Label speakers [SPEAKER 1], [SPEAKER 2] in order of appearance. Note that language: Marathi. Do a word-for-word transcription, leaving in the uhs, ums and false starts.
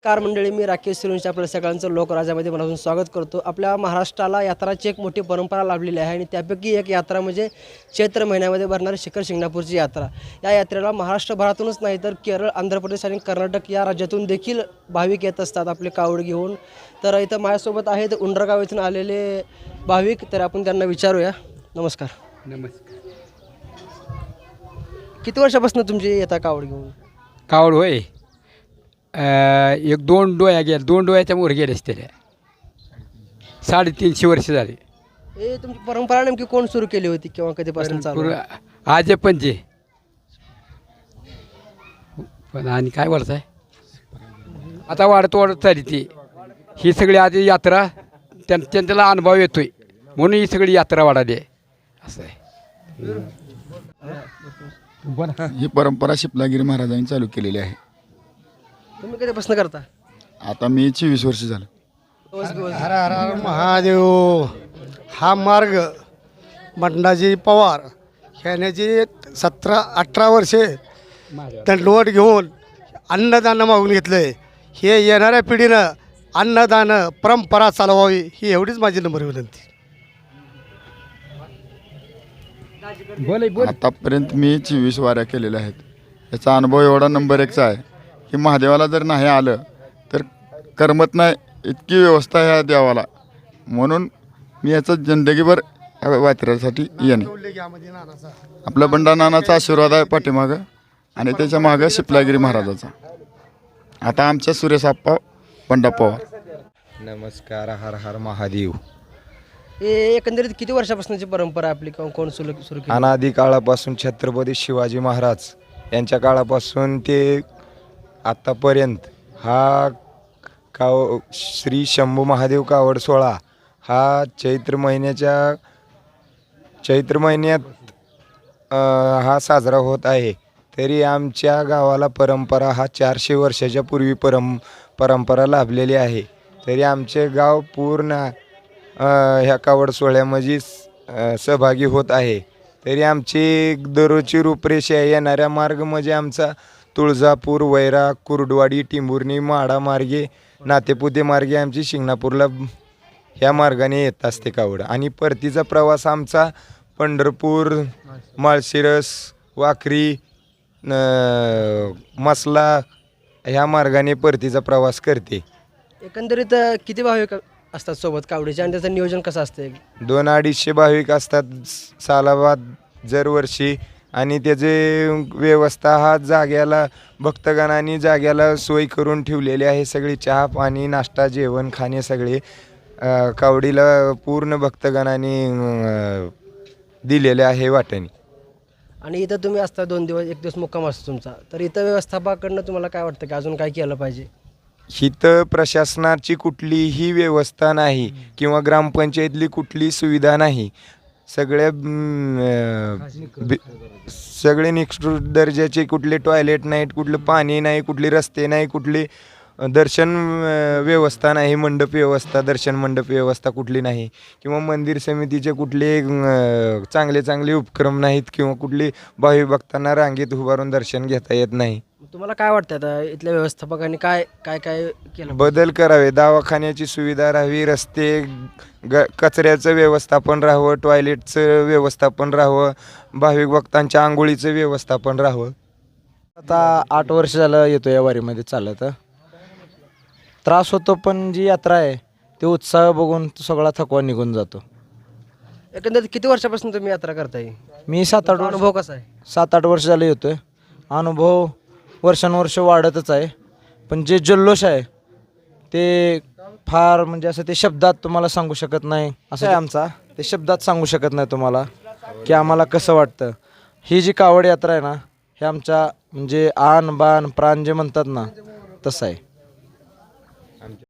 [SPEAKER 1] कार मंडळी, मी राकेश सिरुंच्या आपल्या सगळ्यांचं लोकराजामध्ये मनापासून स्वागत करतो। आपल्या महाराष्ट्राला यात्राची एक मोठी परंपरा लाभलेली आहे आणि त्यापैकी एक यात्रा म्हणजे चैत्र महिन्यामध्ये भरणारी शिखर शिंगणापूरची यात्रा। या यात्रेला महाराष्ट्रभरातूनच नाही तर केरळ, आंध्र प्रदेश आणि कर्नाटक या राज्यातून देखील भाविक येत असतात आपले कावड घेऊन। तर इथं माझ्यासोबत आहेत उंडरगाव इथून आलेले भाविक, तर आपण त्यांना विचारूया। नमस्कार।
[SPEAKER 2] नमस्कार।
[SPEAKER 1] किती वर्षापासून तुमची येता कावड घेऊन?
[SPEAKER 2] कावड होय, एक दोन डोळ्या गेल्या, दोन डोळ्याच्या मोर गेले त्याला साडेतीनशे वर्ष झाले।
[SPEAKER 1] हे तुमची परंपरा नेमकी कोण सुरू केली होती किंवा कधीपासून चालू आहे?
[SPEAKER 2] आजे पंजे पण आणि काय बोलताय, आता वाढत वाढत चालली ती ही सगळी आधी यात्रा त्यां त्यांच्याला अनुभव येतोय म्हणून ही सगळी यात्रा वाढाली आहे असं आहे।
[SPEAKER 3] ही परंपरा शिपलागिरी महाराजांनी चालू केलेली आहे।
[SPEAKER 1] तुम्ही कधीपासून करता?
[SPEAKER 3] आता मी चोवीस वर्ष झालं।
[SPEAKER 4] हर हर हर महादेव। हा मार्ग बंडाजी पवार ह्यानेची सतरा अठरा वर्षे दंडवट घेऊन अन्नदान मागून घेतलंय। हे येणाऱ्या पिढीनं अन्नदान परंपरा चालवावी ही एवढीच माझी नम्र विनंती।
[SPEAKER 3] आतापर्यंत मी चोवीस वाऱ्या केलेल्या आहेत। याचा अनुभव एवढा नंबर एकचा आहे की महादेवाला जर नाही आलं तर करमत नाही, इतकी व्यवस्था ह्या देवाला, म्हणून मी याचा जिंदगीभर यात्रेसाठी येणे। आपला बंडा नानाचा आशीर्वाद आहे पाठीमागं आणि त्याच्या मागं शिपलागिरी महाराजाचा। आता आमच्या सुरेशआप्पा बंडा पवार।
[SPEAKER 5] नमस्कार। हर हर महादेव।
[SPEAKER 1] हे एकंदरीत किती वर्षापासूनची परंपरा आपली किंवा कोण सुरू सुरू केली?
[SPEAKER 5] अनादी काळापासून छत्रपती शिवाजी महाराज यांच्या काळापासून ते आत्तापर्यंत हा काव श्री शंभू महादेव कावड सोहळा हा चैत्र महिन्याच्या चैत्र महिन्यात अ, हा साजरा होत आहे। तरी आमच्या गावाला परंपरा हा चारशे वर्षाच्या पूर्वी परं परंपरा लाभलेली आहे। तरी आमचे गाव पूर्ण ह्या कावड सोहळ्यामध्ये सहभागी होत आहे। तरी आमची दररोजची रूपरेषा येणाऱ्या मार्ग म्हणजे आमचा तुळजापूर, वैरा, कुर्डवाडी, टिंभुर्णी, माडा मार्गे, नातेपुते मार्गे आमची शिंगणापूरला ह्या मार्गाने येत असते कावड। आणि परतीचा प्रवास आमचा पंढरपूर, माळशिरस, वाखरी, मसला ह्या मार्गाने परतीचा प्रवास करते।
[SPEAKER 1] एकंदरीत किती भाविक असतात सोबत कावडीचे आणि त्याचं नियोजन कसं असतं?
[SPEAKER 5] दोन अडीचशे भाविक असतात सालाबाद दरवर्षी। आणि त्याचे व्यवस्था हा जाग्याला भक्तगणांनी जाग्याला सोय करून ठेवलेली आहे। सगळी चहा पाणी नाश्ता जेवण खाणे सगळे कावडीला पूर्ण भक्तगणांनी दिलेले आहे वाटणी।
[SPEAKER 1] आणि इथं तुम्ही असता दोन दिवस, एक दिवस मुक्काम असतो तुमचा, तर इथं व्यवस्थापकाकडनं तुम्हाला काय वाटतं की अजून काय केलं पाहिजे?
[SPEAKER 5] इथं प्रशासनाची कुठलीही व्यवस्था नाही किंवा ग्रामपंचायतली कुठली सुविधा नाही। सगळ्या सगळे निकृष्ट दर्जाचे कुठले टॉयलेट नाहीत, कुठलं पाणी नाही, कुठले रस्ते नाही, कुठली दर्शन व्यवस्था नाही, मंडप व्यवस्था, दर्शन मंडप व्यवस्था कुठली नाही, किंवा मंदिर समितीचे कुठले चांगले चांगले उपक्रम नाहीत, किंवा कुठली भावी भक्तांना रांगेत उभारून दर्शन घेता येत नाही।
[SPEAKER 1] तुम्हाला काय वाटतं आता इथल्या व्यवस्थापकांनी काय काय काय केलं?
[SPEAKER 5] बदल करावे, दवाखान्याची सुविधा राहावी, रस्ते ग कचऱ्याचं व्यवस्थापन राहावं, टॉयलेटचं व्यवस्थापन राहावं, भाविक भक्तांच्या आंघोळीचं व्यवस्थापन राहावं।
[SPEAKER 6] आता आठ वर्ष झालं येतो या वारीमध्ये चालत। त्रास होतो, पण जी यात्रा आहे ते उत्साह बघून सगळा थकवा निघून जातो।
[SPEAKER 1] एकंदरीत किती वर्षापासून तुम्ही यात्रा करताय?
[SPEAKER 6] मी सात आठ
[SPEAKER 1] अनुभव कसा आहे?
[SPEAKER 6] सात आठ वर्ष झालं येतोय। अनुभव वर्षानुवर्ष वाढतच आहे, पण जे जल्लोष आहे ते फार म्हणजे असं ते शब्दात तुम्हाला सांगू शकत नाही। असं आहे आमचा, ते शब्दात सांगू शकत नाही तुम्हाला की आम्हाला कसं वाटतं। ही जी कावड यात्रा आहे ना, हे आमच्या म्हणजे आन बान प्राण जे म्हणतात ना तसं आहे।